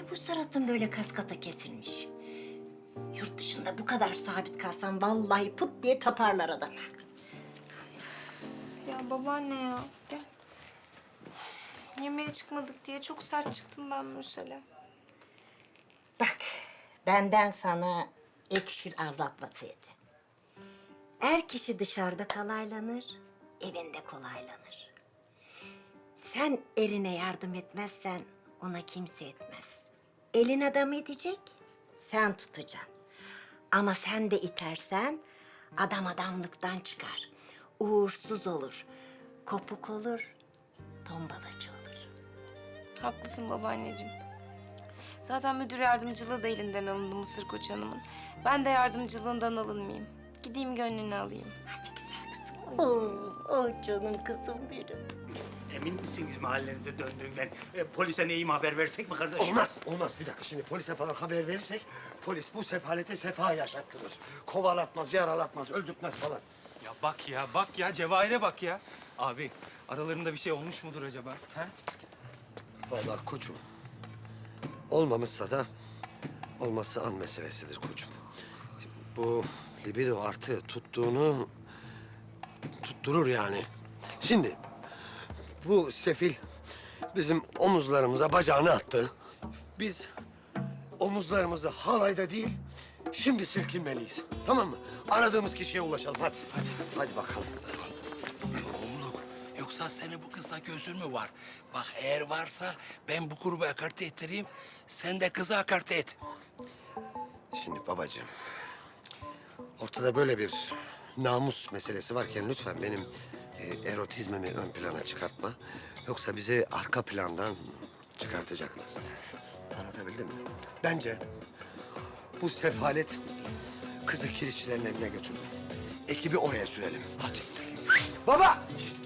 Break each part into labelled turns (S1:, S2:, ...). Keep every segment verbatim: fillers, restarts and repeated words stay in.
S1: Niye bu suratın böyle kaskata kesilmiş? Yurt dışında bu kadar sabit kalsan vallahi put diye taparlar adamı.
S2: Ya babaanne ya, gel. Yemeğe çıkmadık diye çok sert çıktım ben Mürsel'e.
S1: Bak, benden sana ekşir avlatmasıydı. Er kişi dışarıda kalaylanır, evinde kolaylanır. Sen eline yardım etmezsen ona kimse etmez. Elin adam edecek, sen tutacaksın. Ama sen de itersen adam adamlıktan çıkar. Uğursuz olur, kopuk olur, tombalacı olur.
S2: Haklısın babaanneciğim. Zaten müdür yardımcılığı da elinden alındı Mısır Koç Hanım'ın. Ben de yardımcılığından alınmayayım. Gideyim gönlünü alayım.
S1: Hadi güzel kızım. Oo, oh canım kızım benim.
S3: Emin misiniz mahallenize döndüğünden? E, polise neyim haber versek mi kardeşim?
S4: Olmaz, olmaz. Bir dakika şimdi polise falan haber verirsek... ...polis bu sefalete sefa yaşattırır. Kovalatmaz, yaralatmaz, öldürtmez falan.
S5: Ya bak ya, bak ya. Cevahir'e bak ya. Abi, aralarında bir şey olmuş mudur acaba? Ha?
S4: Vallahi koçum, olmamışsa da olması an meselesidir koçum. Bu libido artı tuttuğunu tutturur yani. Şimdi bu sefil bizim omuzlarımıza bacağını attı. Biz omuzlarımızı halayda değil, şimdi silkinmeliyiz. Tamam mı? Aradığımız kişiye ulaşalım. Hadi. Hadi, hadi bakalım.
S6: Oğlum, yoksa senin bu kızla gözün mü var? Bak eğer varsa ben bu grubu akarte ettireyim, sen de kızı akarte et.
S4: Şimdi babacığım, ortada böyle bir namus meselesi varken lütfen benim e, erotizmimi ön plana çıkartma. Yoksa bizi arka plandan çıkartacaklar. Anlatabildim mi? Bence bu sefalet kızı kirişçilerin eline götürme. Ekibi oraya sürelim. Hadi. Baba!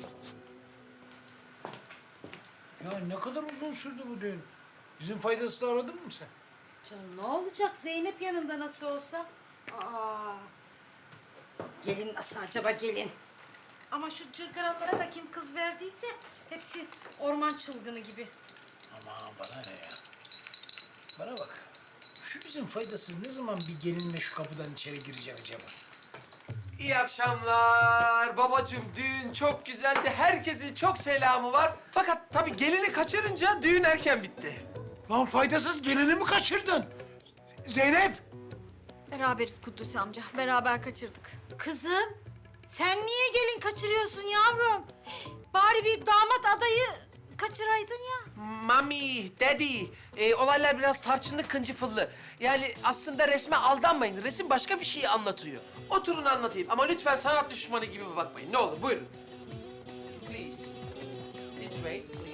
S7: Ya ne kadar uzun sürdü bu düğün. Bizim faydasını aradın mı sen?
S8: Canım ne olacak? Zeynep yanında nasıl olsa. Aa. Gelin nasıl acaba gelin? Ama şu cırgaranlara da kim kız verdiyse hepsi orman çılgını gibi.
S7: Aman bana ne ya? Bana bak. Şu bizim faydasız ne zaman bir gelinle şu kapıdan içeri girecek acaba?
S9: İyi akşamlar. Babacığım düğün çok güzeldi. Herkesin çok selamı var. Fakat tabii gelini kaçırınca düğün erken bitti.
S7: Lan faydasız gelini mi kaçırdın? Zeynep!
S2: Beraberiz Kudüs amca. Beraber kaçırdık.
S8: Kızım sen niye gelin kaçırıyorsun yavrum? Bari bir damat adayı kaçıraydın ya.
S9: Mami, daddy, e, olaylar biraz tarçınlı kıncıfıllı. Yani aslında resme aldanmayın. Resim başka bir şeyi anlatıyor. Oturun anlatayım ama lütfen sanat düşmanı gibi bakmayın. Ne olur buyurun. Please. This way, please.